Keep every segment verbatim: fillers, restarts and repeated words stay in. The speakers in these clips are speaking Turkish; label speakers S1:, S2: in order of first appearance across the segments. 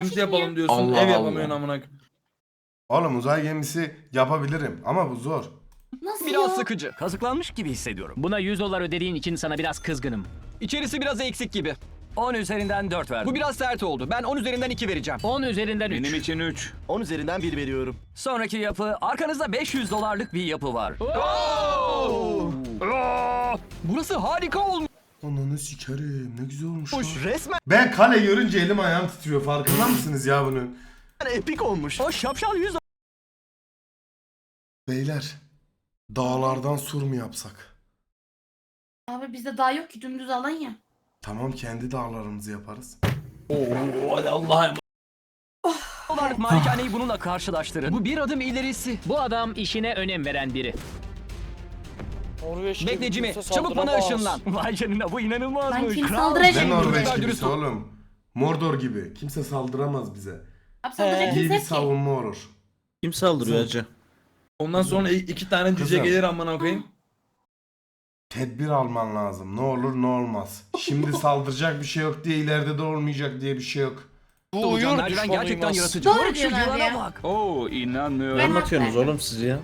S1: Gemisi yapalım diyorsun.
S2: Allah
S1: ev
S2: Allah.
S1: yapamıyorsun amına.
S3: Oğlum uzay gemisi yapabilirim ama bu zor.
S4: Nasıl
S5: Biraz
S4: ya?
S5: sıkıcı. Kazıklanmış gibi hissediyorum.
S2: Buna yüz dolar ödediğin için sana biraz kızgınım.
S5: İçerisi biraz eksik gibi. on üzerinden dört verdim. Bu biraz sert oldu. Ben on üzerinden iki vereceğim.
S2: on üzerinden üç.
S6: Benim için üç.
S7: on üzerinden bir veriyorum.
S5: Sonraki yapı, arkanızda beş yüz dolarlık bir yapı var. Burası harika olmuş.
S3: Ananı sikerim, ne güzel olmuş lan.
S7: Resmen
S3: Ben kale görünce elim ayağım titriyor, farkında mısınız ya bunun?
S7: epik olmuş.
S5: O şapşal yüz
S3: Beyler, dağlardan sur mu yapsak?
S4: Abi bizde daha yok ki dümdüz alan ya.
S3: Tamam, kendi dağlarımızı yaparız.
S1: Oo hadi Allah'ım.
S5: dolarlık malikaneyi bununla karşılaştırın. Bu bir adım ilerisi.
S2: Bu adam işine önem veren biri.
S5: Bekle Jimmy, çabuk bana ışınlan. Vay canına, bu
S4: Ben
S5: inanılmazmış.
S4: kim
S5: Kral.
S4: saldıracak?
S3: Ne
S5: Şimdi
S3: Norveç
S5: çocuklar
S3: gibisi
S5: dürüst ol.
S3: oğlum. Mordor gibi. Kimse saldıramaz bize.
S4: Abi saldıracak
S3: İyi
S4: kimse
S3: bir
S4: yok ki.
S3: savunma olur.
S6: Kim saldırıyor hacı?
S1: Ondan sonra i- iki tane cüce
S3: Kızım.
S1: gelir amına koyayım.
S3: Tedbir alman lazım. Ne olur ne olmaz. Şimdi saldıracak bir şey yok diye, ileride de olmayacak diye bir şey yok.
S5: Bu uyur merdiven gerçekten yaratıcı.
S4: Doğru
S5: Bak şu
S4: diyorsun abi
S5: yılana
S4: ya.
S5: bak.
S6: Oo inanmıyorum.
S4: Ben
S6: Anlatıyorsunuz
S4: haklı.
S6: oğlum siz ya.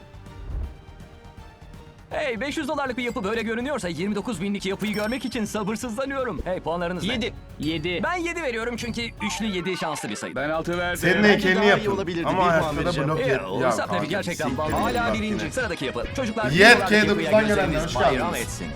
S5: Hey, beş yüz dolarlık bir yapı böyle görünüyorsa yirmi dokuz binlik yapıyı görmek için sabırsızlanıyorum. Hey, puanlarınız ne? yedi.
S2: yedi.
S5: Ben yedi veriyorum çünkü üçlü yedi şanslı bir sayı.
S6: Ben altı verdim.
S3: Senin
S7: Bence
S3: heykelini
S7: daha iyi
S3: yapın.
S7: olabilirdi.
S3: Ama
S7: Bir puan
S3: ayakta da
S7: vereceğim.
S3: blok
S5: Eee,
S3: yap.
S5: o
S3: Ya
S5: Sapnevi
S3: kanka,
S5: gerçekten
S3: siktir
S5: bal.
S3: git
S5: Hala
S3: bak
S5: birinci.
S3: yine.
S5: Sıradaki yapı. Çocuklar
S3: Yet
S5: bir dolarlık
S3: K
S5: yapıya
S3: dokuzdan gelenler,
S5: gözleriniz
S3: hoş
S5: bayram
S3: geldiniz.
S5: etsin.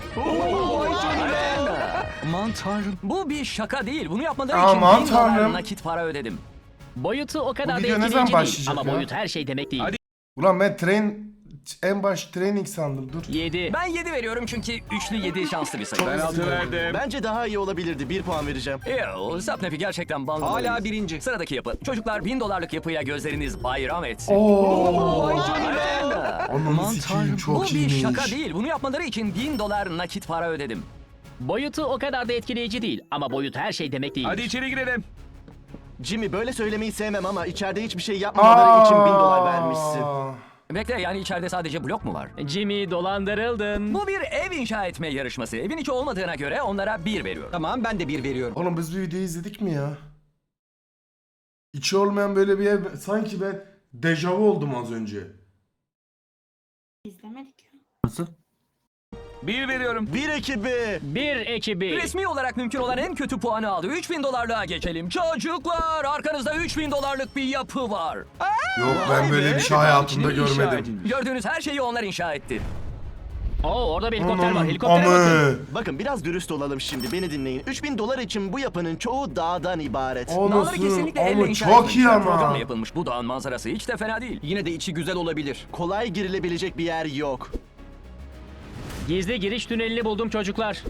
S5: Aman tanrım. Bu bir şaka değil. Bunu yapmaları için
S3: Aman
S5: bin dolar
S3: tanrım.
S5: nakit para ödedim.
S2: Boyutu o kadar
S3: Bu
S2: da
S3: video ne zaman
S2: etkileyici değil.
S3: başlayacak
S2: Ama
S3: ya?
S2: boyut her şey demek değil.
S6: Hadi.
S3: Ulan ben train en baş training sandım, dur.
S2: yedi.
S5: Ben yedi veriyorum çünkü üçlü yedi şanslı bir sayı.
S6: Ben altı verdim.
S7: Bence daha iyi olabilirdi. Bir puan vereceğim.
S5: Eee, Sapnevi gerçekten bal. Hala birinci. Sıradaki yapı. Çocuklar bin dolarlık yapıyla gözleriniz bayram etsin.
S3: Oo.
S5: Vay canına.
S3: Ananı
S5: Aman
S3: sikeyim,
S5: tanrım.
S3: çok
S5: Bu bir
S3: iyiymiş.
S5: şaka değil. Bunu yapmaları için bin dolar nakit para ödedim.
S2: Boyutu o kadar da etkileyici değil. Ama boyut her şey demek değil.
S6: Hadi içeri girelim.
S7: Jimmy, böyle söylemeyi sevmem ama içeride hiçbir şey yapmamaları için bin dolar vermişsin.
S5: Bekle, yani içeride sadece blok mu var?
S2: Jimmy, dolandırıldın.
S5: Bu bir ev inşa etme yarışması. Evin içi olmadığına göre onlara bir veriyorum. Tamam, ben de bir veriyorum.
S3: Oğlum biz bir videoyu izledik mi ya? İçi olmayan böyle bir ev, sanki ben dejavu oldum az önce.
S4: İzlemedik ya.
S6: Bir veriyorum.
S7: Bir ekibi.
S2: Bir ekibi.
S5: Resmi olarak mümkün olan en kötü puanı aldı. üç bin dolarlığa geçelim. Çocuklar, arkanızda üç bin dolarlık bir yapı var.
S3: Yok, ben böyle bir şey hayatımda
S6: İçine inşa
S3: görmedim.
S6: edilmiş.
S5: Gördüğünüz her şeyi onlar inşa etti.
S2: Oo, orada bir helikopter var.
S3: Aman,
S2: Helikoptere bakın.
S3: amı.
S7: Bakın biraz dürüst olalım şimdi. Beni dinleyin. üç bin dolar için bu yapının çoğu dağdan ibaret.
S5: Dağları
S3: Anasını,
S5: kesinlikle elle
S3: ama
S5: inşa
S3: çok iyi
S5: etmişler.
S3: ama.
S5: Programla yapılmış bu dağın manzarası hiç de fena değil. Yine de içi güzel olabilir.
S7: Kolay girilebilecek bir yer yok.
S2: Gizli giriş tünelini buldum çocuklar.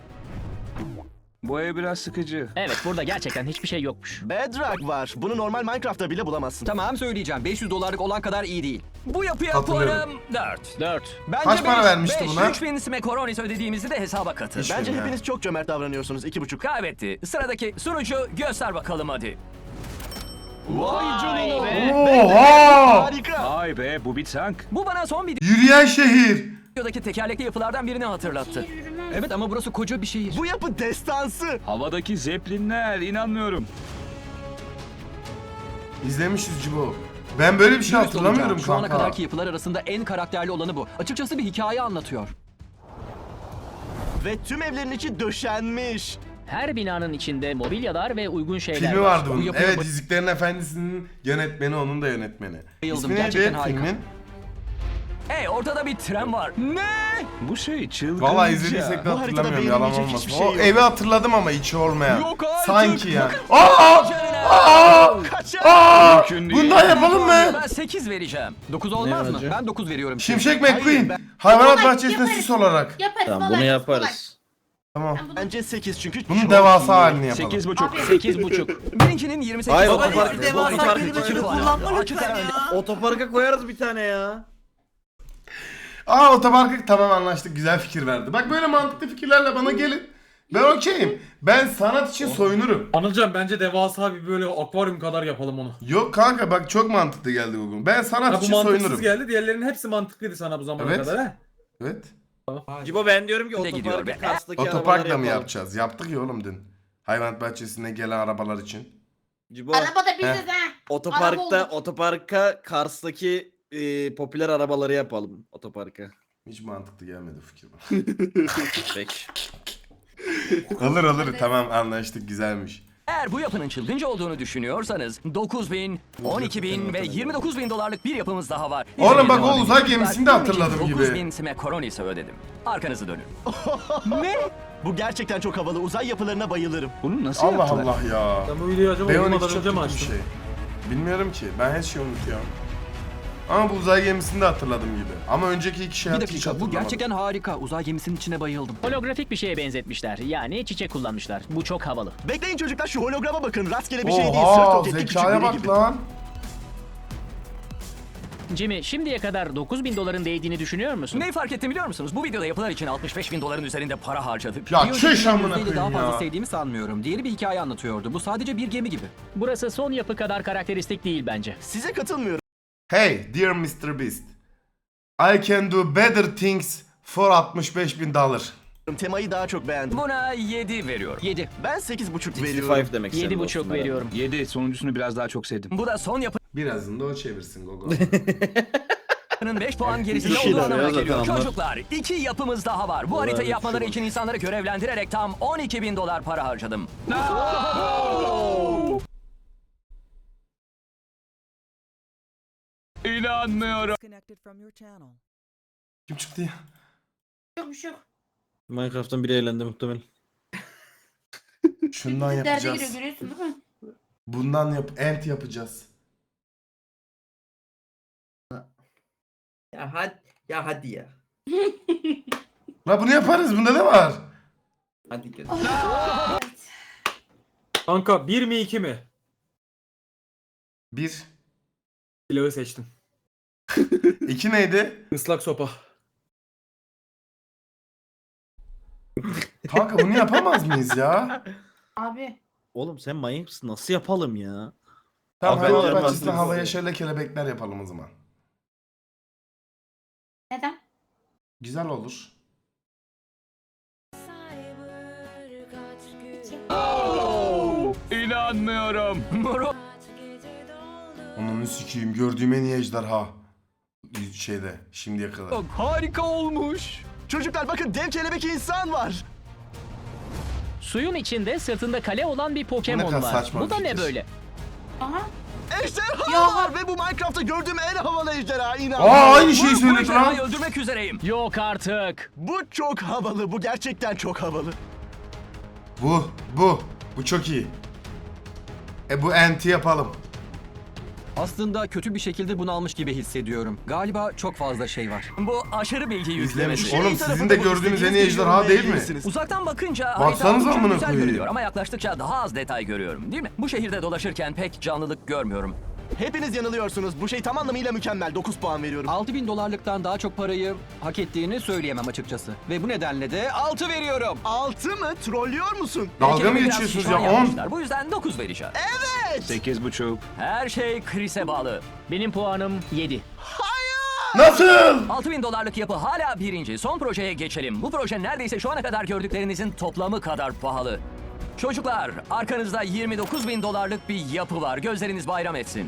S6: Bu ev biraz sıkıcı.
S2: Evet, burada gerçekten hiçbir şey yokmuş.
S7: Bedrock var. Bunu normal Minecraft'ta bile bulamazsın.
S5: Tamam, söyleyeceğim. beş yüz dolarlık olan kadar iyi değil. Bu yapıya
S3: Katılıyorum.
S5: puanım dört.
S2: dört.
S5: Bence
S3: Kaç para
S5: beş,
S3: vermişti
S5: beş,
S3: buna?
S5: üç bin smekoronis ödediğimizi de hesaba katın.
S3: Hiç
S7: Bence
S3: bilmiyorum.
S7: hepiniz çok cömert davranıyorsunuz. İki buçuk.
S5: Kaybetti. Sıradaki sunucu göster bakalım hadi.
S7: Vay canına.
S2: be.
S3: Oha!
S7: Harika.
S6: Vay be bu bir tank.
S5: Bu bana son
S3: Yürüyen şehir.
S5: videodaki tekerlekli yapılardan birini hatırlattı.
S4: Şehir yürümez.
S5: Evet ama burası koca bir şehir.
S7: Bu yapı destansı.
S6: Havadaki zeplinler inanmıyorum.
S3: İzlemişiz Cibo. Ben böyle bir şey
S5: Dürüst
S3: hatırlamıyorum
S5: olacağım, Şu ana
S3: kanka.
S5: kadarki yapılar arasında en karakterli olanı bu. Açıkçası bir hikaye anlatıyor.
S7: Ve tüm evlerin içi döşenmiş.
S2: Her binanın içinde mobilyalar ve uygun şeyler
S3: Filmi
S2: var.
S3: vardı bunun.
S5: yapıya
S3: Evet,
S5: bak-
S3: Yüzüklerin Efendisi'nin yönetmeni, onun da yönetmeni.
S5: Bayıldım,
S3: İsmi neydi
S5: gerçekten harika.
S3: filmin?
S5: Hey, ortada bir tren var. Ne?
S6: Bu şey çılgınca.
S3: Valla izlediysek de
S7: Bu haritada
S3: hatırlamıyorum, yalan
S7: beğenilecek
S3: olmasın.
S7: hiçbir şey
S3: O
S7: yok.
S3: evi hatırladım ama içi olmayan.
S5: Yok artık.
S3: Sanki ya. Aa! Aa!
S7: Kaçar.
S3: Aa!
S6: Mümkün değil.
S3: Bundan yapalım mı?
S5: Ben sekiz vereceğim. dokuz olmaz mı? Ben dokuz veriyorum.
S3: Şimşek
S7: Hayır,
S3: McQueen.
S7: ben-
S3: Hayvanat
S4: Yaparız,
S3: bahçesinde
S4: yaparız.
S3: süs olarak.
S4: Yaparız.
S6: Tamam
S4: kolay,
S6: bunu yaparız.
S4: kolay.
S3: Tamam.
S4: Ben bunu-
S7: Bence sekiz çünkü
S3: Bunun
S7: çok
S3: devasa
S7: iyi.
S3: halini yapalım.
S6: Sekiz buçuk.
S2: Sekiz buçuk.
S5: Birincinin yirmi sekiz.
S6: Hayır,
S5: doları
S6: otopark-
S5: var.
S6: devasa
S5: Otopark
S6: kelimesini
S5: iki puan.
S8: kullanma
S5: Açık
S8: lütfen
S5: ara önde.
S8: ya.
S6: Otoparka koyarız bir tane ya.
S3: Aa, otoparkı tamam, anlaştık, güzel fikir verdi. Bak böyle mantıklı fikirlerle bana gelin. Ben okeyim. Ben sanat için soyunurum.
S8: Anılcan bence devasa bir böyle akvaryum kadar yapalım onu.
S3: Yok kanka, bak çok mantıklı geldi bugün. Ben sanat
S8: Ha, bu
S3: için
S8: mantıksız
S3: soyunurum.
S8: geldi. Diğerlerinin hepsi mantıklıydı sana bu zamana
S3: Evet.
S8: kadar he.
S3: Evet.
S6: Cibo ben diyorum ki
S5: Ne gidiyor
S6: otoparkı
S5: be?
S6: Kars'taki
S3: Otoparkla mı
S6: arabaları
S3: yapacağız? Yaptık ya oğlum dün. Hayvanat bahçesine gelen arabalar için.
S6: Cibo
S4: Araba da bizde ha. Araba
S6: otoparkta
S4: olur.
S6: otoparka Kars'taki e, popüler arabaları yapalım otoparka.
S3: Hiç mantıklı gelmedi fikir bana.
S6: Peki.
S3: Alır alır tamam anlaştık güzelmiş.
S5: Eğer bu yapının çılgınca olduğunu düşünüyorsanız dokuz bin, on iki bin ve yirmi dokuz bin dolarlık bir yapımız daha var.
S3: Oğlum bak,
S5: İzlemeye
S3: o
S5: devam
S3: uzay
S5: edin.
S3: gemisini de hatırladım
S5: dokuz
S3: gibi.
S5: bin smekoronis ödedim. Arkanızı dönün.
S7: Ne? Bu gerçekten çok havalı. Uzay yapılarına bayılırım.
S6: Bunu nasıl
S3: Allah
S6: yaptılar?
S3: Allah ya.
S8: Sen bu videoyu acaba
S3: B on iki
S8: uyumadan
S3: çok
S8: önce mi
S3: kötü bir
S8: açtın?
S3: şey. Bilmiyorum ki. Ben her şeyi unutuyorum. Ama bu uzay gemisini de hatırladım gibi. Ama önceki iki şey
S9: Bir
S3: hiç
S9: dakika bu
S3: hatırlamadım.
S9: gerçekten harika. Uzay gemisinin içine bayıldım.
S2: Holografik bir şeye benzetmişler. Yani çiçek kullanmışlar. Bu çok havalı.
S7: Bekleyin çocuklar, şu holograma bakın. Rastgele bir şey değil. Sırt
S3: Oha
S7: roketli küçük
S3: zekaya
S7: biri
S3: bak
S7: gibi.
S3: lan.
S2: Jimmy, şimdiye kadar dokuz bin doların değdiğini düşünüyor musun?
S5: Neyi fark ettim biliyor musunuz? Bu videoda yapılar için altmış beş bin doların üzerinde para harcadık.
S3: Ya
S9: Bir
S3: çüş
S9: önceki
S3: amına
S9: yüzdeyle daha
S3: koyayım
S9: fazla
S3: ya.
S9: sevdiğimi sanmıyorum. Diğeri bir hikaye anlatıyordu. Bu sadece bir gemi gibi.
S2: Burası son yapı kadar karakteristik değil bence.
S7: Size katılmıyorum.
S3: Hey dear mister Beast. I can do better things for altmış beş bin dolar.
S7: Temayı daha çok beğendim.
S5: Buna yedi veriyorum.
S9: yedi.
S7: Ben sekiz buçuk veriyorum.
S6: altmış beş demek istedim
S2: Yedi buçuk
S6: dostum
S2: veriyorum.
S6: yedi sonuncusunu biraz daha çok sevdim.
S5: Bu da son
S3: Birazını da o çevirsin Gogo.
S5: yapının beş puan gerisinde
S6: Bir
S5: olduğu
S6: şeyler
S5: anlamına
S6: ya zaten
S5: geliyor.
S6: onlar.
S5: Çocuklar iki yapımız daha var. Bu
S6: Olay
S5: haritayı
S6: bir
S5: yapmaları
S6: şey
S5: için insanları görevlendirerek tam on iki bin dolar para harcadım.
S6: İnanmıyorum.
S3: Kim çıktı ya?
S4: Yok bir şey yok.
S6: Minecraft'tan biri eğlendi muhtemelen.
S3: Şundan
S4: Derde giriyor
S3: yapacağız.
S4: görüyorsun değil mi?
S3: Bundan yap ent yapacağız.
S10: Ya hadi ya hadi ya.
S3: La bunu yaparız. Bunda ne var?
S10: Hadi gel.
S8: Kanka bir mi iki mi?
S3: Bir.
S8: Silahı seçtim.
S3: İki neydi?
S8: Islak sopa.
S3: Kanka bunu yapamaz mıyız ya?
S4: Abi.
S6: Oğlum sen manyak mısın? Nasıl yapalım ya?
S3: Tamam
S6: Abi,
S3: hayvanat
S6: yapmaz
S3: bahçesinde
S6: mıyız?
S3: havaya şöyle kelebekler yapalım o zaman.
S4: Neden?
S3: Güzel olur.
S6: İnanmıyorum.
S3: Onun sikiyim gördüğüm en iyi ejderha. Şeyde şimdiye kadar.
S5: Harika olmuş.
S7: Çocuklar bakın, dev kelebek insan var.
S2: Suyun içinde sırtında kale olan bir
S3: Ne
S2: Pokemon
S3: kadar
S2: var.
S3: saçma
S2: Bu
S3: bir
S2: da ne
S3: fikir.
S2: böyle?
S4: Aha.
S7: Ejderha
S4: Ya.
S7: var ve bu Minecraft'ta gördüğüm en havalı ejderha.
S3: Aa
S7: İnanmıyorum.
S3: aynı şeyi
S5: Bu
S3: söyledi
S5: ejderhayı
S3: lan.
S5: öldürmek üzereyim.
S2: Yok artık.
S7: Bu çok havalı. Bu gerçekten çok havalı.
S3: Bu, bu. Bu çok iyi. E bu enti yapalım.
S9: Aslında kötü bir şekilde bunu almış gibi hissediyorum. Galiba çok fazla şey var.
S5: Bu aşırı bilgi
S3: İzlemiş.
S5: yüklemesi.
S3: Oğlum
S7: Şey
S3: sizin
S7: tarafı
S3: de
S7: da bu,
S3: gördüğünüz en iyi
S7: istediğiniz
S3: ejderha
S7: gibi
S3: değil mi?
S7: yorumlayabilirsiniz.
S5: Uzaktan bakınca
S3: Baksanıza
S5: harita oldukça
S3: amına
S5: güzel
S3: koyayım.
S5: görünüyor ama yaklaştıkça daha az detay görüyorum değil mi? Bu şehirde dolaşırken pek canlılık görmüyorum.
S7: Hepiniz yanılıyorsunuz. Bu şey tam anlamıyla mükemmel. dokuz puan veriyorum.
S9: altı bin dolarlıktan daha çok parayı hak ettiğini söyleyemem açıkçası. Ve bu nedenle de altı veriyorum.
S7: altı mı? Trollüyor musun?
S3: Dalga mı
S5: Heykeli biraz
S3: geçiyorsunuz
S5: şişman
S3: ya? On.
S5: yapmışlar. Bu yüzden dokuz vereceğim.
S6: Sekiz buçuk.
S5: Her şey Chris'e bağlı.
S2: Benim puanım yedi.
S3: Nasıl?
S5: altı bin dolarlık yapı hala birinci. Son projeye geçelim. Bu proje neredeyse şu ana kadar gördüklerinizin toplamı kadar pahalı. Çocuklar, arkanızda yirmi dokuz bin dolarlık bir yapı var. Gözleriniz bayram etsin.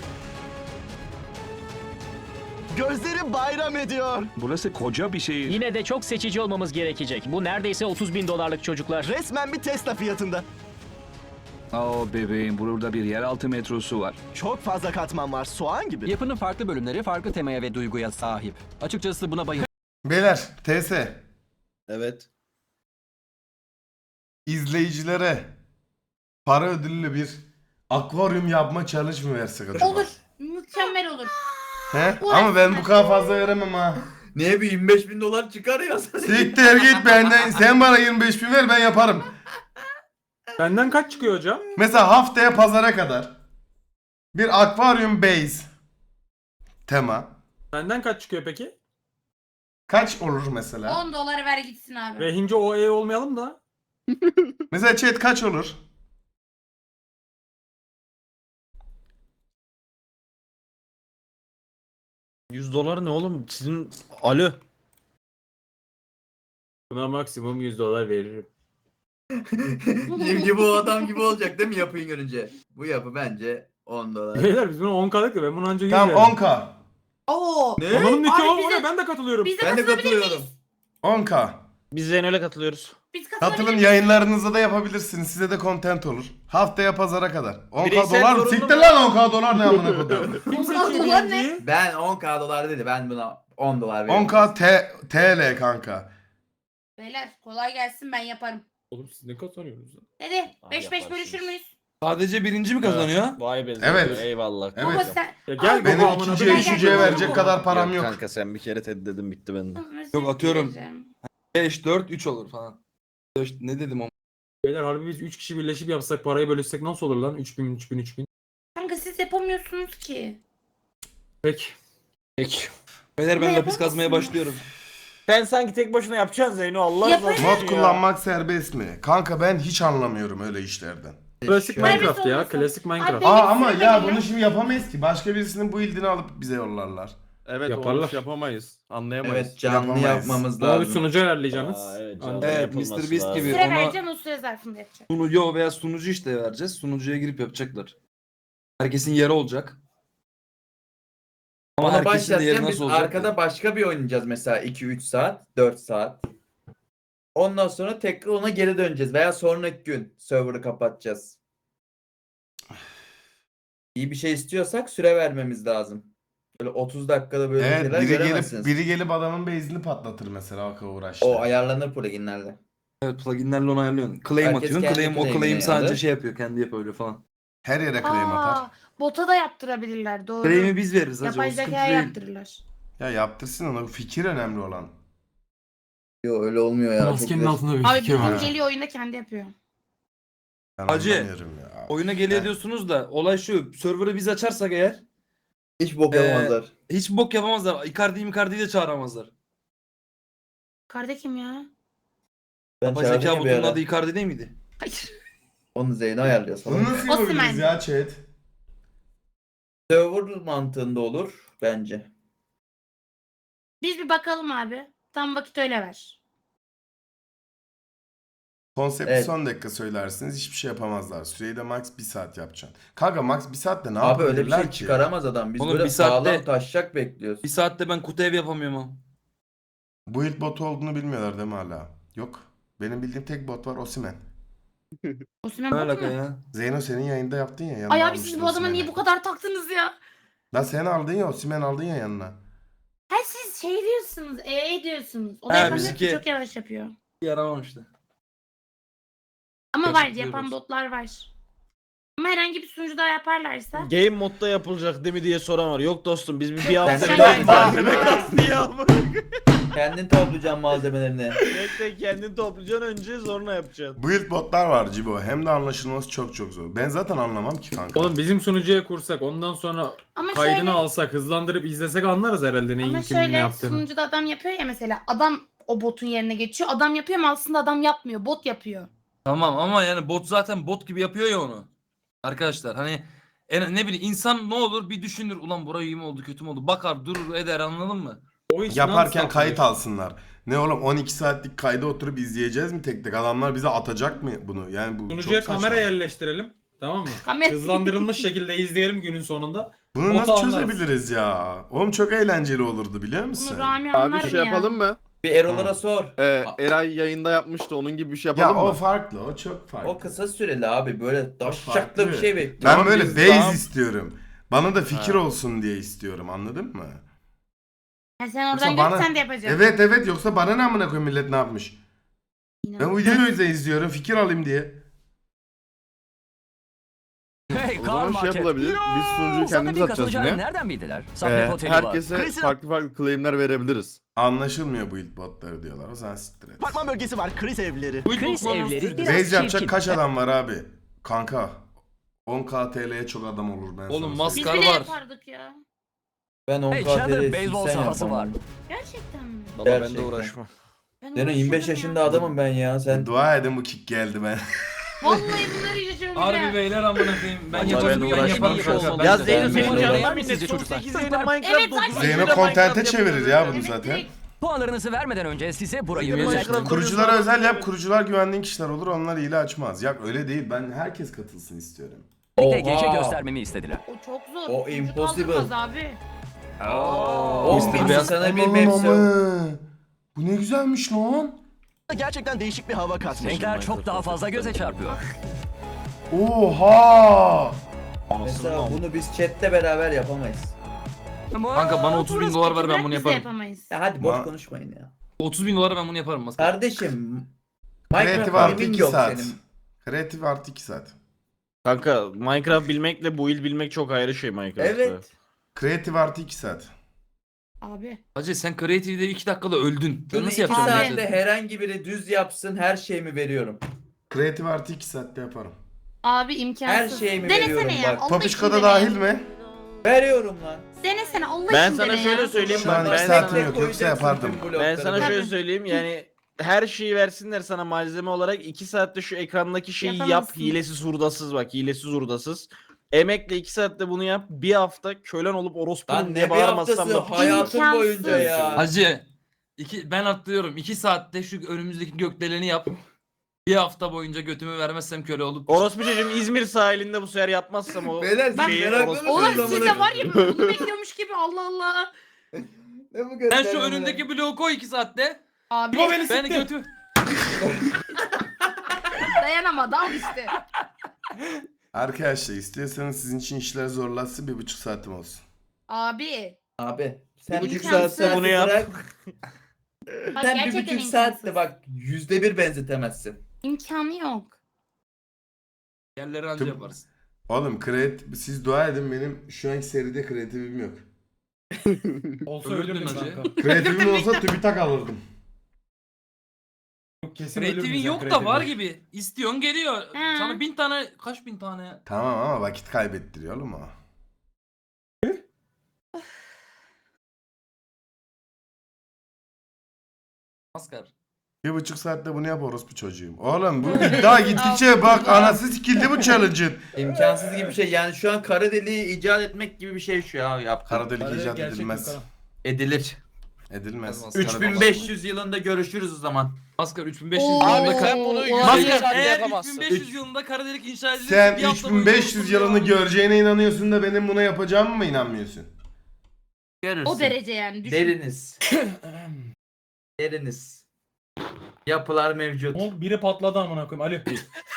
S7: Gözlerim bayram ediyor.
S6: Burası koca bir şehir.
S2: Yine de çok seçici olmamız gerekecek. Bu neredeyse otuz bin dolarlık çocuklar.
S7: Resmen bir Tesla fiyatında.
S6: Aa bebeğim burada bir yeraltı metrosu var.
S7: Çok fazla katman var. Soğan gibi.
S9: Yapının farklı bölümleri farklı temaya ve duyguya sahip. Açıkçası buna bayıldım.
S3: Beyler T S
S6: Evet.
S3: izleyicilere para ödüllü bir akvaryum yapma challenge mı versek acaba?
S4: Olur. Mükemmel olur.
S3: He? Ama ben bu kadar fazla veremem ha.
S10: Neye bir yirmi beş bin dolar çıkar ya.
S3: Siktir git benden. Sen bana yirmi beş bin ver ben yaparım.
S8: Benden kaç çıkıyor hocam?
S3: Mesela haftaya pazara kadar bir akvaryum base tema.
S8: Benden kaç çıkıyor peki?
S3: Kaç olur mesela?
S4: on doları ver gitsin abi.
S8: Rehince o E olmayalım da.
S3: Mesela chat kaç olur?
S6: yüz dolar ne oğlum? Sizin... Alo.
S8: Buna maksimum yüz dolar veririm.
S10: Şimdi bu adam gibi olacak değil mi yapıyı görünce? Bu yapı bence on dolar.
S8: Beyler biz bunu on kalık da ben bunu anca yüz
S3: Tamam
S8: veririm.
S3: on K.
S4: Oo.
S10: Ne?
S8: Onların niki
S4: Abi
S8: o,
S4: bize-
S8: o ne? Ben de katılıyorum.
S4: Biz de
S10: Ben de
S4: katılabilir
S10: katılıyorum.
S4: miyiz?
S3: on K.
S6: Biz Zeyno'yla katılıyoruz.
S4: Biz katılabilir
S3: Katılın
S4: miyiz?
S3: yayınlarınızda da yapabilirsiniz. Size de content olur. Haftaya pazara kadar. on K
S6: Bireysel
S3: dolar mı?
S6: zorunlu
S3: Siktir
S6: mu?
S3: lan on K dolar ne amına koyayım.
S8: Kim
S4: On
S8: seçiyor
S4: dolar ne?
S8: birinciyi?
S10: Ben on K dolar dedi. Ben buna on dolar veriyorum.
S3: on K T TL kanka.
S4: Beyler kolay gelsin ben yaparım.
S8: Oğlum siz ne kazanıyorsunuz lan?
S4: Hadi
S6: Abi
S4: beş beş
S6: yaparsınız.
S4: bölüşür müyüz?
S1: Sadece birinci mi kazanıyor?
S6: Vay be.
S3: Evet.
S6: Eyvallah.
S3: Evet.
S4: Baba sen...
S8: Ya gel
S4: Abi,
S3: Benim
S8: baba, amına
S3: ikinciye
S8: koyayım.
S3: üçüncüye
S4: Gel, gel,
S3: verecek
S4: gel.
S3: kadar param yok.
S6: Kanka sen bir kere TED dedim bitti bende.
S1: Yok, atıyorum. beş, dört, üç olur falan. beş, ne dedim o?
S8: Beyler harbi biz üç kişi birleşip yapsak parayı bölüşsek nasıl olur lan? üç bin üç bin üç bin.
S4: Kanka siz yapamıyorsunuz ki.
S8: Peki.
S1: Peki. Beyler ben
S4: Ne
S1: lapis kazmaya
S4: yapamazsın?
S1: başlıyorum.
S6: Sen sanki tek başına yapacaksın Zeyno Allah
S4: Yaparım.
S6: razı olsun
S3: Mod
S6: ya.
S3: kullanmak serbest mi? Kanka ben hiç anlamıyorum öyle işlerden.
S8: Klasik
S10: Şöyle-
S8: Minecraft ya.
S4: olmasın.
S8: Klasik Minecraft.
S4: Abi-
S3: Aa
S4: Benim
S3: ama
S4: ismim
S3: ya
S4: belli.
S3: bunu şimdi yapamayız ki. Başka birisinin bu ildini alıp bize yollarlar.
S11: Evet
S8: Yaparlar.
S11: onu yapamayız. Anlayamayız.
S10: Evet canlı
S3: Yapamayız.
S10: yapmamız
S8: Ama bir
S10: lazım.
S8: sunucu ayarlayacaksınız.
S6: Aa, evet,
S8: Anca-
S6: canlı
S1: Evet,
S6: yapılması
S1: mister Beast
S6: lazım.
S1: gibi.
S4: Süre
S1: ona-
S4: vereceğim o süre zarfında yapacağım.
S1: Sunucu veya sunucu işte vereceğiz. Sunucuya girip yapacaklar. Herkesin yeri olacak. Ama
S10: Ona
S1: herkesin de yeri
S10: başlarken biz
S1: nasıl olacak?
S10: arkada başka bir oynayacağız mesela iki üç saat, dört saat. Ondan sonra tekrar ona geri döneceğiz veya sonraki gün server'ı kapatacağız. İyi bir şey istiyorsak süre vermemiz lazım. Böyle otuz dakikada böyle
S3: Evet
S10: şeyler
S3: biri gelip
S10: göremezsiniz.
S3: biri gelip adamın base'ini patlatır mesela o kadar uğraştı.
S10: O ayarlanır pluginlerle.
S1: Evet, pluginlerle onu ayarlıyorsun. Claim
S10: Herkes
S1: atıyorsun.
S10: kendi
S1: Claim, o
S10: claim'ini
S1: claim sadece
S10: alır.
S1: şey yapıyor. Kendi yapıyor öyle falan.
S3: Her yere claim atar.
S4: Aa, bota da yaptırabilirler doğru.
S1: Claim'i biz veririz hacı.
S4: Yapay
S1: O sıkıntı
S4: zekaya
S1: değil.
S4: yaptırırlar.
S3: Ya yaptırsın onu. Fikir önemli olan.
S10: Yok öyle olmuyor ya.
S8: Maskenin
S10: Çok
S8: altında bir
S4: Abi
S8: fikir var.
S4: bizim geliyor oyunda kendi yapıyor.
S3: Ben
S1: Hacı,
S3: anlamıyorum ya.
S1: Oyuna geliyor
S3: He.
S1: diyorsunuz da olay şu. Server'ı biz açarsak eğer
S10: hiç bok
S1: Ee,
S10: yapamazlar.
S1: hiç bok yapamazlar. Icardi'yi Icardi'yi de çağıramazlar.
S4: Karda kim ya?
S10: Ben
S1: Yapay
S10: çağırdım
S1: zeka
S10: ya bir
S1: botunun
S10: ara.
S1: adı Icardi değil miydi?
S4: Hayır.
S10: Onu Zeyno ayarlıyor
S3: Bunu
S10: falan.
S3: nasıl yapabiliriz
S4: Osimhen.
S3: ya chat?
S10: Server mantığında olur bence.
S4: Biz bir bakalım abi. Tam vakit öyle ver.
S3: Konsepti
S10: Evet.
S3: son dakika söylersiniz hiçbir şey yapamazlar. Süreyi de max bir saat yapacaksın. Kanka max bir saatte ne
S10: Abi öyle bir
S3: yapabilirler
S10: şey
S3: ki?
S10: çıkaramaz adam. Biz
S1: Oğlum
S10: böyle
S1: bir saatte-
S10: sağlam taşacak bekliyoruz.
S1: Bir saatte ben kutu ev yapamıyorum ama.
S3: Bu ilk botu olduğunu bilmiyorlar değil mi hala? Yok. Benim bildiğim tek bot var Osimhen.
S4: Osimhen
S1: Ne
S4: bot
S1: alaka
S4: mu?
S1: ya?
S3: Zeyno senin yayında yaptın ya. yanına
S4: Ay abi siz
S3: almıştın
S4: bu adama
S3: Osimhen'i.
S4: niye bu kadar taktınız ya?
S3: Lan sen aldın ya Osimhen aldın ya yanına.
S4: Ha siz şey diyorsunuz, ee diyorsunuz. O da
S1: Ha,
S4: yapamıyor
S1: bizimki-
S4: ki çok yavaş yapıyor.
S1: Yaramamıştı.
S4: Ama
S1: Çok
S4: var
S1: diyoruz.
S4: yapan botlar var. Ama herhangi bir sunucuda yaparlarsa.
S6: Game modda yapılacak değil mi diye soran var. Yok dostum biz bir, bir hafta
S10: sen-
S6: bir
S10: sen- Kendin toplayacaksın malzemelerini.
S6: Bekle kendini toplayacaksın önce sonra yapacaksın.
S3: Bu ilk botlar var Cibo. Hem de anlaşılması çok çok zor. Ben zaten anlamam ki kanka.
S8: Oğlum bizim sunucuya kursak ondan sonra
S4: Ama
S8: kaydını
S4: şöyle,
S8: alsak hızlandırıp izlesek anlarız herhalde neyin
S4: ama
S8: kimin ne
S4: şöyle
S8: yaptığını.
S4: sunucuda adam yapıyor ya mesela. Adam o botun yerine geçiyor. Adam yapıyor ama aslında adam yapmıyor. Bot yapıyor.
S1: Tamam ama yani bot zaten bot gibi yapıyor ya onu. Arkadaşlar hani en, ne bileyim insan ne olur bir düşünür. Ulan burayı iyi mi oldu kötü mü oldu? Bakar durur eder anladın mı?
S8: O iş
S3: Yaparken
S8: non-stop
S3: kayıt
S8: oluyor.
S3: alsınlar. Ne oğlum on iki saatlik kayda oturup izleyeceğiz mi tek tek? Adamlar bize atacak mı bunu? Yani bu
S8: Sunucuya
S3: çok saçma.
S8: kamera yerleştirelim. Tamam mı?
S4: Kamera-
S8: Hızlandırılmış şekilde izleyelim günün sonunda.
S3: Bunu
S8: Botu
S3: nasıl
S8: anlarız.
S3: çözebiliriz ya? Oğlum çok eğlenceli olurdu biliyor musun?
S4: Bunu Rami
S11: Abi
S4: anlar
S11: şey
S4: ya.
S11: yapalım mı?
S10: Bir Erol'lara sor.
S11: Ee, Eray yayında yapmıştı. Onun gibi bir şey
S3: Ya
S11: yapalım
S3: o
S11: mı?
S3: farklı, o çok farklı.
S10: O kısa süreli abi böyle
S3: farklı.
S10: daşşaklı bir şey bekliyor.
S3: Ben
S11: Tamam,
S3: böyle
S11: biz
S3: base
S11: daha-
S3: istiyorum. Bana da fikir
S11: Ha.
S3: olsun diye istiyorum anladın mı?
S4: Ha, sen oradan
S3: Yoksa
S4: görüp
S3: bana-
S4: sen de yapacaksın.
S3: Evet evet yoksa bana ne amına koyayım millet ne yapmış? Ben bu videoyu o yüzden izliyorum fikir alayım diye.
S5: Hey
S11: O
S5: Karl
S11: zaman şey
S5: Market.
S11: yapılabilir. Biz sunucuyu kendimiz
S5: Zaten
S11: atacağız
S5: katılacağını
S11: yine.
S5: nereden bildiler?
S11: Ee,
S5: Sabret Oteli var.
S11: herkese
S5: Chris'in-
S11: farklı farklı claimler verebiliriz.
S3: Anlaşılmıyor bu ilk botları diyorlar. O zaman siktir et.
S7: Apartman bölgesi var, kriz evleri.
S2: Chris evleri biraz
S3: Base yapacak
S2: çirkin.
S3: kaç adam var abi? Kanka. on K T L'ye çok adam olur ben
S1: Oğlum,
S3: sana
S1: mas-
S4: Biz
S3: söyleyeyim.
S4: bile
S1: var.
S4: yapardık ya.
S10: Ben on
S5: Hey
S10: K
S5: Chandler
S10: T L
S5: beyzbol
S10: seksen
S5: sahası var.
S10: yapamam.
S4: Gerçekten mi?
S1: Baba ben de
S10: Gerçekten.
S1: uğraşmam.
S4: Ben
S10: Senin yirmi beş
S4: uğraşırdım
S10: yaşında
S4: ya.
S10: adamım ben ya. Sen
S3: Dua edin bu kick geldi ben.
S4: Vallahi bunları yaşıyorum
S1: Harbi
S4: ya.
S1: beyler amına koyayım. Ben
S5: Acaba
S1: yaparım
S5: ben
S1: ben
S5: uğraşmam
S1: yaparım
S5: ki
S1: kanka.
S5: olmam.
S1: Ben
S6: Ya
S1: de-
S6: Zeyno
S1: Ben
S6: senin
S1: de-
S6: canına
S5: Ben
S6: minnet.
S5: sizce
S6: Son
S5: çocuklar.
S6: sekiz yayında Minecraft
S4: Evet,
S6: dokuz
S4: zaten-
S3: Zeyno
S6: yayında
S3: kontente
S6: Minecraft
S3: çevirir ya bunu
S6: yapıyoruz.
S3: zaten.
S4: direkt.
S5: Puanlarınızı vermeden önce size burayı
S1: Bilmiyorum.
S5: özel...
S3: Kuruculara özel yap. Kurucular güvendiğin kişiler olur. Onlar hile açmaz. Ya öyle değil. Ben herkes katılsın istiyorum.
S5: gece göstermemi istediler.
S4: O çok zor.
S10: O
S4: Çocuk
S10: impossible.
S4: kaldırmaz abi.
S10: on bin
S1: Beyaz-
S10: sana bir
S3: Aman
S10: mevsim.
S3: aman. Bu ne güzelmiş lan.
S7: Gerçekten değişik bir hava katmış.
S5: Renkler çok daha fazla göze çarpıyor.
S3: Oha.
S10: Mesela bunu biz chatte beraber yapamayız.
S1: Kanka bana otuz bin dolar ver ben bunu
S4: Biz de
S1: yaparım.
S4: yapamayız.
S10: Ya hadi boş
S3: Ma-
S10: konuşmayın ya.
S1: otuz bin dolara ben bunu yaparım. Maskar.
S10: Kardeşim.
S3: Kreatif
S10: Minecraft
S3: artı
S10: gaming
S3: iki
S10: yok
S3: saat.
S10: senin.
S3: Kreatif artı iki saat.
S11: Kanka Minecraft bilmekle build bilmek çok ayrı şey Minecraft'ta.
S10: Evet.
S3: Kreatif artı iki saat.
S4: Abi.
S1: Hacı sen Creative'de iki dakikada öldün.
S10: Bunu
S1: Nasıl
S10: iki
S1: yapacaksın?
S10: saatte
S1: Necdet?
S10: herhangi biri düz yapsın her şeyimi veriyorum.
S3: Kreatif artı iki saatte yaparım.
S4: Abi imkansız.
S10: Her şeyimi veriyorum
S4: Denesene ya.
S10: bak.
S4: Allah için
S3: Papişko'da
S4: dene.
S3: dahil mi?
S10: Veriyorum lan.
S4: Denesene Allah
S9: Ben
S4: için
S9: sana
S4: dene
S9: şöyle
S4: ya.
S9: söyleyeyim.
S3: Şu an
S9: Ben
S3: iki
S9: sana-
S3: saatim yok yoksa yapardım.
S9: Ben sana
S4: Tabii.
S9: şöyle söyleyeyim yani her şeyi versinler sana malzeme olarak iki saatte şu ekrandaki şeyi yap
S4: Yapamazsın.
S9: hilesiz hurdasız bak hilesiz hurdasız. Emekle iki saatte bunu yap bir hafta kölen olup
S10: Lan
S9: orospunun
S10: ne
S9: diye
S10: bir
S9: bağırmazsam
S10: haftası
S9: da
S10: hayatım
S4: İmkansız.
S10: boyunca ya.
S1: Hacı iki, ben atlıyorum. iki saatte şu önümüzdeki gökdeleni yap. Bir hafta boyunca götümü vermezsem köle olup.
S9: orospu çocuğum İzmir sahilinde bu sefer yapmazsam o
S10: Beyler siz
S9: şeyi
S10: meraklı
S9: orospu
S10: mısınız?
S4: Oğlum siz de var ya bunu bekliyormuş gibi Allah Allah.
S10: Ne bu
S1: Sen şu
S10: göstermeler?
S1: önündeki bloğu koy iki saatte.
S4: Abi
S1: Ben götü.
S4: dayanamadı al işte.
S3: Arkadaşlar istiyorsanız sizin için işler zorlatsın bir buçuk saatim olsun.
S4: Abi.
S10: Abi sen
S4: Bir
S10: bir buçuk
S4: imkansız.
S10: saatte
S9: Bunu yap.
S10: bırak.
S4: Bak,
S10: Sen bir
S4: gerçekten
S10: buçuk saatte
S4: imkansız.
S10: bak yüzde bir benzetemezsin.
S4: İmkanı yok.
S1: Yerleri anca
S3: Tüm-
S1: yaparsın.
S3: Oğlum kreatif siz dua edin benim şu anki seride kreatifim yok.
S8: Olsa
S1: Ölürdün
S8: ölürdün
S1: hacı.
S8: kanka.
S3: Kreatifim olsa TÜBİTAK alırdım.
S8: Kesin
S1: Creative'in
S8: ölürdün
S1: yok
S8: sen
S1: da var
S8: Creative'in.
S1: gibi. İstiyorsun geliyor.
S4: He.
S1: Sana bin tane kaç bin tane ya?
S3: Tamam ama vakit kaybettiriyor oğlum o.
S1: Maskar.
S3: Bir buçuk saatte bunu yap orospu çocuğum. Oğlum bu iddia gittikçe bak anası sikildi bu challenge'ın.
S10: İmkansız gibi bir şey yani şu an kara deliği icat etmek gibi bir şey şu ya yap.
S3: Kara delik
S8: Hadi
S3: icat
S8: gerçek
S3: edilmez.
S8: Gökhan.
S10: Edilir.
S3: Edilmez.
S1: Olmaz.
S10: üç bin beş yüz yılında görüşürüz o zaman.
S1: Maskar üç bin beş yüz
S4: Oo.
S1: yılında
S4: Abi
S1: kar...
S4: sen bunu
S1: Maskar eğer üç bin beş yüz yılında kara delik inşa edilirse
S3: Sen
S1: bir hafta
S3: üç bin beş yüz
S1: boyunca
S3: yılını
S1: oturur ya.
S3: göreceğine inanıyorsun da benim buna yapacağımı mı inanmıyorsun?
S10: Görürsün.
S4: O derece yani düşün.
S10: Deriniz. Deriniz. Yapılar mevcut.
S8: O biri patladı amına koyayım. Alo.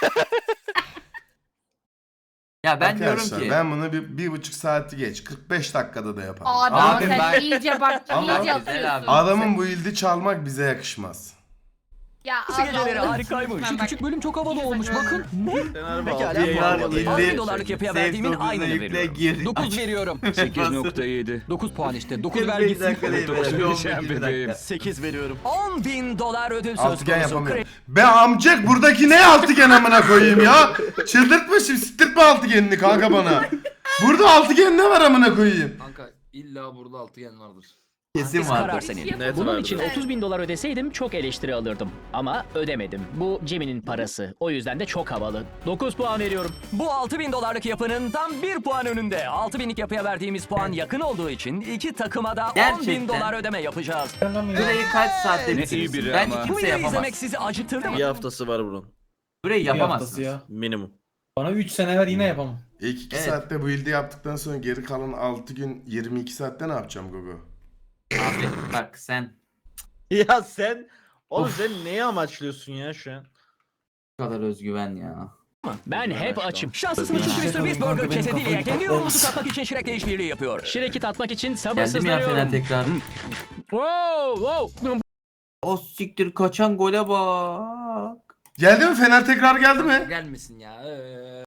S10: Ya ben diyorum
S3: Arkadaşlar
S10: ki.
S3: ben bunu bir, bir buçuk saati geç kırk beş dakikada da yaparım.
S4: Abi,
S3: Ama
S10: Abi
S4: sen
S10: ben-
S4: iyice bak
S3: Ama-
S4: iyice
S10: Güzel abi.
S4: atıyorsun.
S3: adamın bu ildi çalmak bize yakışmaz.
S4: Ya
S5: Kısa
S4: Allah
S5: geceleri
S4: Allah.
S5: harikaymış.
S4: Lütfen
S5: Şu
S4: bak.
S5: küçük bölüm çok havalı olmuş bakın.
S9: Sen harbi
S7: Pekala,
S9: altı
S7: bu
S9: yayın
S7: arada
S9: yapmadın.
S5: on bin dolarlık yapıya verdiğimin aynını veriyorum.
S9: dokuz veriyorum.
S5: sekiz nokta yedi. dokuz puan işte. dokuz ver
S10: kırk beş
S5: gitsin.
S10: dakika değil,
S5: dokuz
S10: böyle.
S5: vereceğim
S10: on beş
S5: bebeğim.
S10: dakika.
S7: sekiz veriyorum.
S5: on bin dolar ödül söz
S3: Altıgen
S5: konusu.
S3: yapamıyorum. Be amcık buradaki ne altıgen amına koyayım ya? Çıldırtma şimdi siktirtme altıgenini kanka bana. Burada altıgen ne var amına koyayım?
S1: Kanka illa burada altıgen vardır.
S10: Kesin
S5: Biz karar
S10: vardır.
S5: senin.
S9: Net
S2: Bunun
S9: vardır.
S2: için otuz bin dolar ödeseydim çok eleştiri alırdım. Ama ödemedim. Bu Jimmy'nin parası. O yüzden de çok havalı. dokuz puan veriyorum.
S5: Bu altı bin dolarlık yapının tam bir puan önünde. altı binlik yapıya verdiğimiz puan yakın olduğu için iki takıma da on bin
S10: Gerçekten.
S5: dolar ödeme yapacağız.
S10: Burayı kaç saatte
S2: Ne
S10: bitirir?
S2: iyi biri
S10: Bence
S2: ama.
S5: Bu
S10: kimse
S5: videoyu
S10: yapamaz.
S5: izlemek sizi acıtırdı mı?
S9: Bir haftası var bunun.
S10: Burayı
S8: Bir haftası
S10: yapamazsınız.
S8: ya.
S9: Minimum.
S8: Bana üç sene ver yine yapamam.
S3: İlk iki
S10: Evet.
S3: saatte bu ildi yaptıktan sonra geri kalan altı gün yirmi iki saatte ne yapacağım Gogo?
S10: Abi bak sen
S9: Ya sen oğlum sen neyi amaçlıyorsun ya şu an?
S10: bu kadar özgüven ya.
S2: Ben hep açım.
S5: Şanslısınız çünkü mister Beast Burger kesediyle kendi yolumuzu katmak için Shrek'le işbirliği yapıyor.
S2: Şirek'i tatmak için
S10: Geldim ya
S2: sabırsızlanıyorum.
S10: Fener tekrar.
S2: Wow, wow.
S10: O siktir kaçan gole bak.
S3: Geldi mi Fener tekrar geldi mi?
S1: Gelmesin ya. Ee...